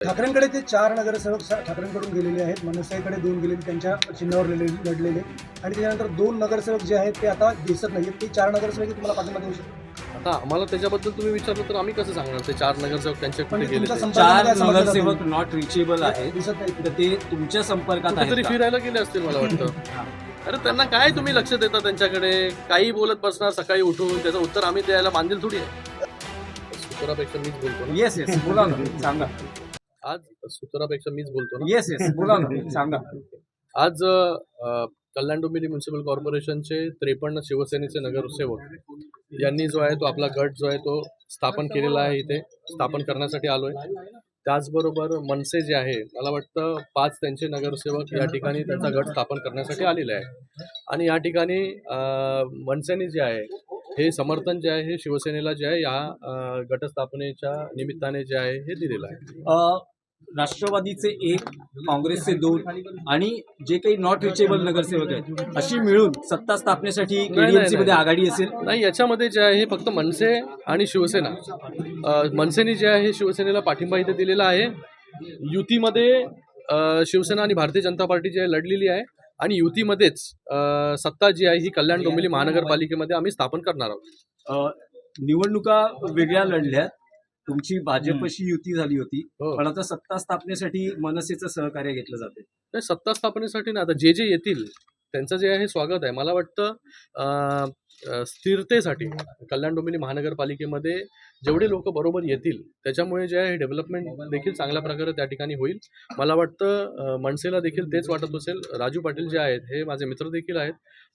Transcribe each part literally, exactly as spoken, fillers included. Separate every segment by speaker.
Speaker 1: ठाकरेंकडे ते चार नगरसेवक सा- ठाकरेंकडून गेलेले आहेत, मनसेकडे दोन गेलेले त्यांच्या चिन्हावर लढले लढलेले आणि त्याच्यानंतर दोन नगरसेवक जे आहेत ते आता दिसत नाहीत. ते चार नगरसेवक तुम्हाला पाठिंबा देऊ शकतो.
Speaker 2: आता आम्हाला त्याच्याबद्दल तुम्ही विचारलं तर आम्ही कसं सांगणार ते चार नगरसेवक त्यांच्या कुठे
Speaker 1: म्हणजे
Speaker 2: गेले
Speaker 1: तुमच्या
Speaker 2: ते?
Speaker 1: संपर्कामध्ये
Speaker 3: चार
Speaker 1: काय समजलं
Speaker 3: नगरसेवक
Speaker 1: जातं?
Speaker 3: नॉट रिचेबल आहेत
Speaker 1: दिसत नाही.
Speaker 3: तर ते तुमच्या संपर्कात आहेत
Speaker 2: कुठेतरी
Speaker 3: का?
Speaker 2: फिरायला गेले असतील मला वाटतं.
Speaker 3: हा.
Speaker 2: अरे त्यांना काय तुम्ही लक्ष देता त्यांच्याकडे? काही बोलत बसणार सकाळी उठून, त्याचं उत्तर आम्ही द्यायला बांधील थोडी आहे. सुतरापेक्षा मीच बोलतो ना.
Speaker 3: येस येस बोला ना सांगा.
Speaker 2: आज सुतरापेक्षा मीच बोलतो ना.
Speaker 3: येस येस बोला ना सांगा.
Speaker 2: आज अ, कल्याण डोंबिवली म्युन्सिपल कॉर्पोरेशनचे त्रेपन्न शिवसेनेचे नगरसेवक यांनी जो आहे तो आपला गट जो आहे तो स्थापन केलेला आहे. इथे स्थापन करण्यासाठी आलोय. त्याचबरोबर मनसे जे आहे, मला वाटतं पाच त्यांचे नगरसेवक या ठिकाणी त्यांचा गट स्थापन करण्यासाठी आलेले आहे. आणि या ठिकाणी अ, मनसेने जे आहे हे समर्थन जे आहे हे शिवसेनेला जे आहे या अ, गटस्थापनेच्या निमित्ताने जे आहे हे दिलेलं आहे.
Speaker 3: अ, राष्ट्रवादीचे एक, काँग्रेसचे दोन आणि जे काही नॉट रिचेबल नगरसेवक आहेत अशी मिळून सत्ता स्थापनेसाठी केडीएमसी मध्ये
Speaker 2: नाही.
Speaker 3: आघाडी असेल.
Speaker 2: नाही, याच्यामध्ये जे आहे हे फक्त मनसे आणि शिवसेना. अ, मनसेने जे आहे शिवसेनेला पाठिंबा इथे दिलेला आहे. युतीमध्ये अ, शिवसेना आणि भारतीय जनता पार्टी जी आहे लढलेली आहे आणि युतीमध्येच अ, सत्ता जी आहे ही कल्याण डोंबिवली महानगरपालिकेमध्ये आम्ही स्थापन करणार आहोत.
Speaker 3: अ, निवडणुका वेगळ्या लढल्यात, तुमची भाजपशी युती झाली होती,
Speaker 2: हो.
Speaker 3: पण आता सत्ता स्थापनेसाठी मनसेचं सहकार्य घेतलं जाते.
Speaker 2: नाही, सत्ता स्थापनेसाठी ना आता जे जे येतील त्यांचं जे आहे स्वागत आहे. मला वाटतं अ, अ, स्थिरतेसाठी कल्याण डोंबिवली महानगरपालिकेमध्ये जेवढे लोक बरोबर येतील त्याच्यामुळे जे आहे डेव्हलपमेंट देखील चांगल्या प्रकारे त्या ठिकाणी होईल. मला वाटतं अ, मनसेला देखील तेच वाटत असेल. राजू पाटील जे आहेत हे माझे मित्र देखील आहेत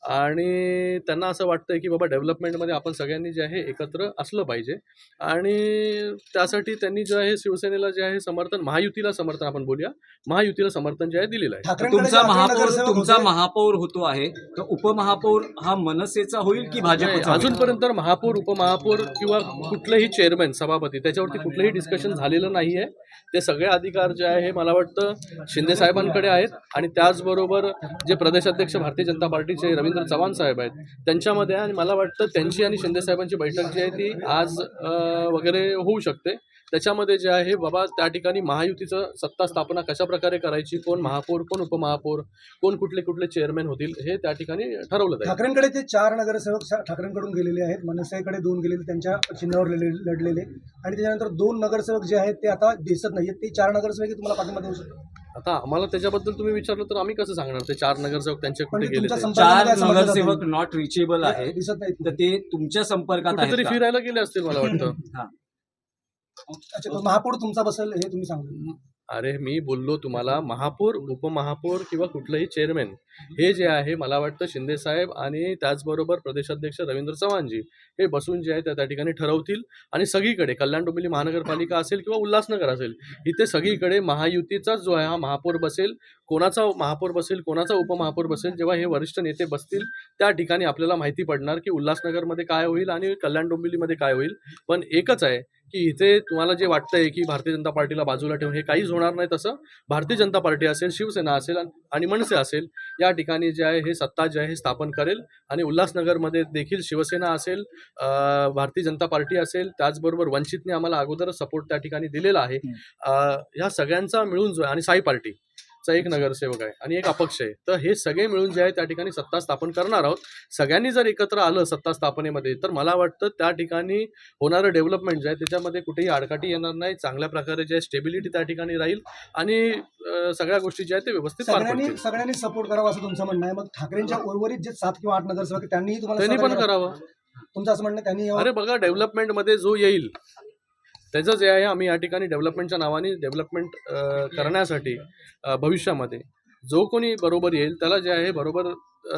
Speaker 2: आणि त्यांना असं वाटतंय की बाबा डेव्हलपमेंटमध्ये आपण सगळ्यांनी जे आहे एकत्र असलं पाहिजे आणि त्यासाठी त्यांनी जे आहे शिवसेनेला जे आहे समर्थन, महायुतीला समर्थन आपण बोलूया, महायुतीला समर्थन जे आहे दिलेलं आहे.
Speaker 1: ठाकरेंकडे
Speaker 3: तुमचा
Speaker 1: जे अकरा
Speaker 3: महापौर
Speaker 1: नगरसेवक
Speaker 3: तुमचा
Speaker 1: होते,
Speaker 3: महापौर होतो आहे तर उपमहापौर हा मनसेचा होईल की
Speaker 2: नाही,
Speaker 3: भाजपचा होईल?
Speaker 2: अजूनपर्यंत महापौर, उपमहापौर किंवा कुठलेही चेअरमॅन, सभापती त्याच्यावरती कुठलंही डिस्कशन झालेलं नाही आहे. ते सगळे अधिकार जे आहे हे मला वाटतं शिंदे साहेबांकडे आहेत आणि त्याचबरोबर जे प्रदेशाध्यक्ष भारतीय जनता पार्टीचे रवींद्र चव्हाण साहेब आहेत त्यांच्यामध्ये आहे. आणि मला वाटतं त्यांची आणि शिंदे साहेबांची बैठक जी आहे ती आज अ, वगैरे होऊ शकते. त्याच्यामध्ये जे आहे बाबा त्या ठिकाणी महायुतीचं सत्ता स्थापना कशा प्रकारे करायची, कोण महापौर, कोण उपमहापौर, कोण कुठले कुठले चेअरमॅन होतील हे त्या ठिकाणी ठरवलं जाईल.
Speaker 1: ठाकरेंकडे ते चार नगरसेवक सा- ठाकरेंकडून गेलेले आहेत, मनसेकडे दोन गेलेले त्यांच्या चिन्हावर लढले लढलेले आणि त्याच्यानंतर दोन नगरसेवक जे आहेत ते आता दिसत नाहीत. ते चार नगरसेवक तुम्हाला पाठिंबा देऊ शकतो.
Speaker 2: आता आम्हाला त्याच्याबद्दल तुम्ही विचारलं तर आम्ही कसं सांगणार ते चार नगरसेवक त्यांचे कुठे
Speaker 1: म्हणजे
Speaker 2: गेले
Speaker 1: तुमच्या
Speaker 2: ते?
Speaker 1: संपर्कामध्ये
Speaker 3: चार
Speaker 1: काय समजलं जातं?
Speaker 3: नगरसेवक नॉट रिचेबल आहेत
Speaker 1: दिसत नाहीत.
Speaker 3: तर ते तुमच्या संपर्कात आहेत
Speaker 2: कुठेतरी
Speaker 3: का?
Speaker 2: फिरायला गेले असतील मला वाटतं.
Speaker 3: हा.
Speaker 1: अच्छा, तो महापौर तुमचा बसेल हे तुम्ही सांगा.
Speaker 2: अरे मी बोललो तुम्हाला, महापौर, उपमहापौर किंवा कुठलंही चेअरमॅन हे जे आहे मला वाटतं शिंदे साहेब आणि त्याचबरोबर प्रदेशाध्यक्ष रवींद्र चव्हाणजी हे बसून जे आहे त्या त्या ठिकाणी ठरवतील. आणि सगळीकडे कल्याण डोंबिवली महानगरपालिका असेल किंवा उल्हासनगर असेल इथे सगळीकडे महायुतीचाच जो आहे हा महापौर बसेल. कोणाचा महापौर बसेल, कोणाचा उपमहापौर बसेल, जेव्हा हे वरिष्ठ नेते बसतील त्या ठिकाणी आपल्याला माहिती पडणार की उल्हासनगरमध्ये काय होईल आणि कल्याण डोंबिवलीमध्ये काय होईल. पण एकच आहे की इथे तुम्हाला जे वाटतंय की भारतीय जनता पार्टीला बाजूला ठेवून हे काहीच होणार नाही. तसं भारतीय जनता पार्टी असेल, शिवसेना असेल आणि मनसे असेल या ठिकाणी जे आहे हे सत्ता जे आहे हे स्थापन करेल. आणि उल्हासनगरमध्ये देखील शिवसेना असेल, अ, भारतीय जनता पार्टी असेल, त्याचबरोबर वंचितने आम्हाला अगोदरच सपोर्ट त्या ठिकाणी दिलेला आहे. अ, ह्या सगळ्यांचा मिळून जो आहे आणि साई पार्टी चा एक नगरसेवक आहे आणि एक अपक्ष आहे, तर हे सगळे मिळून जे आहे त्या ठिकाणी सत्ता स्थापन करणार आहोत. सगळ्यांनी जर एकत्र आलं सत्ता स्थापनेमध्ये तर मला वाटतं त्या ठिकाणी होणारं डेव्हलपमेंट जे आहे त्याच्यामध्ये कुठेही आडकाठी येणार नाही. चांगल्या प्रकारे जे आहे स्टेबिलिटी त्या ठिकाणी राहील आणि अ, सगळ्या गोष्टी ज्या आहेत ते व्यवस्थित पार
Speaker 1: सगळ्यांनी
Speaker 2: पडतील.
Speaker 1: सगळ्यांनी सपोर्ट करावा असं तुमचं म्हणणं आहे. मग ठाकरेंच्या उर्वरित जे सात किंवा आठ नगरसेवक आहेत, त्यांनीही तुम्हाला
Speaker 2: त्यांनी पण
Speaker 1: सहकार्य
Speaker 2: करावं.
Speaker 1: तुमचं असं म्हणणं आहे, त्यांनी यावं?
Speaker 2: अरे बघा, डेव्हलपमेंटमध्ये जो येईल त्याचं जे आहे आम्ही या ठिकाणी डेव्हलपमेंटच्या नावाने डेव्हलपमेंट करण्यासाठी अ, भविष्यामध्ये जो कोणी बरोबर येईल त्याला जे आहे बरोबर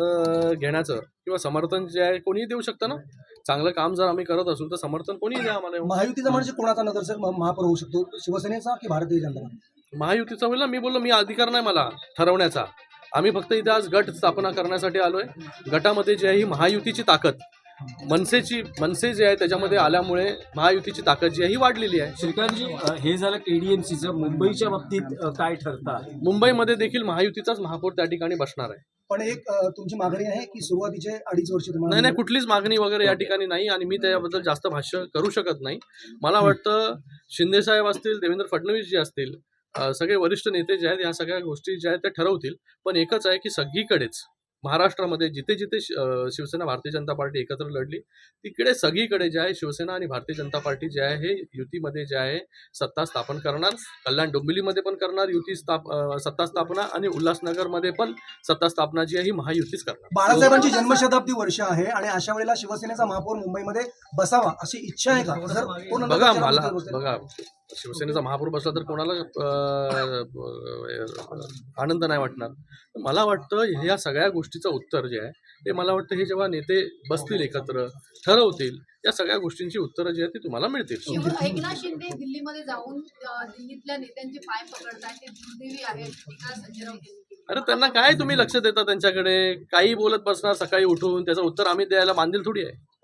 Speaker 2: अ, घेण्याचं किंवा समर्थन जे आहे कोणीही देऊ शकतं ना. चांगलं काम जर आम्ही करत असू तर समर्थन कोणीही द्या आम्हाला.
Speaker 1: महायुतीचा म्हणजे कोणाचा नगरसेवक म- महापौर होऊ शकतो? शिवसेनेचा की भारतीय जनता पार्टी?
Speaker 2: महायुतीचा होईल ना. मी बोललो मी अधिकार नाही मला ठरवण्याचा. आम्ही फक्त इथे आज गट स्थापना करण्यासाठी आलोय. गटामध्ये जी आहे ही महायुतीची ताकद, मनसेची मनसे जे आहे त्याच्यामध्ये आल्यामुळे महायुतीची ताकद जी आहे ही वाढलेली आहे.
Speaker 3: श्रीकांतजी, अ, हे झालं केडीएमसीचं. मुंबईच्या बाबतीत अ, काय ठरतं आहे?
Speaker 2: मुंबईमध्ये देखील महायुतीचाच महापौर त्या ठिकाणी बसणार आहे.
Speaker 1: पण एक अ, तुमची मागणी आहे की सुरुवातीचे अडीच वर्ष तुम्हाला
Speaker 2: नाही नाही, कुठलीच मागणी वगैरे या ठिकाणी नाही आणि मी त्याबद्दल जास्त भाष्य करू शकत नाही. मला वाटतं शिंदे साहेब असतील, देवेंद्र फडणवीस जी असतील, अ, सगळे वरिष्ठ नेते जे आहेत ह्या सगळ्या गोष्टी ज्या आहेत त्या ठरवतील. पण एकच आहे की सगळीकडेच महाराष्ट्रामध्ये जिथे जिथे शि- अ, शिवसेना भारतीय जनता पार्टी एकत्र लढली तिकडे सगळीकडे जे आहे शिवसेना आणि भारतीय जनता पार्टी जे आहे हे युतीमध्ये जे आहे सत्ता स्थापन करणार. कल्याण डोंबिवलीमध्ये पण करणार युती स्थाप अ, सत्ता स्थापना आणि उल्हासनगरमध्ये पण सत्ता स्थापना जी आहे ही महायुतीच करणार.
Speaker 1: बाळासाहेबांची जन्मशताब्दी वर्ष आहे आणि अशा वेळेला शिवसेनेचा महापौर मुंबईमध्ये बसावा अशी इच्छा आहे का? जर तो नंतर
Speaker 2: बघा
Speaker 1: प्रचारामध्ये
Speaker 2: मला
Speaker 1: बसेल.
Speaker 2: बघा शिवसेनेचा महापौर बसला तर कोणाला अ, अ, आनंद नाही वाटणार. मला वाटतं ह्या सगळ्या गोष्टीचं उत्तर जे आहे ते मला वाटतं हे जेव्हा नेते बसतील एकत्र ठरवतील या सगळ्या गोष्टींची उत्तरं जी आहेत ती तुम्हाला मिळतील.
Speaker 4: शिव- एकनाथ शिंदे दिल्लीमध्ये जाऊन अ, दिल्लीतल्या नेत्यांचे पाय पकडतायत, ते दुर्दैवी आहे अशी टीका संजय राऊत यांनी केली.
Speaker 2: अरे त्यांना काय तुम्ही लक्ष देता त्यांच्याकडे काही बोलत बसणार सकाळी उठून त्याचं उत्तर आम्ही द्यायला बांधील थोडी आहे.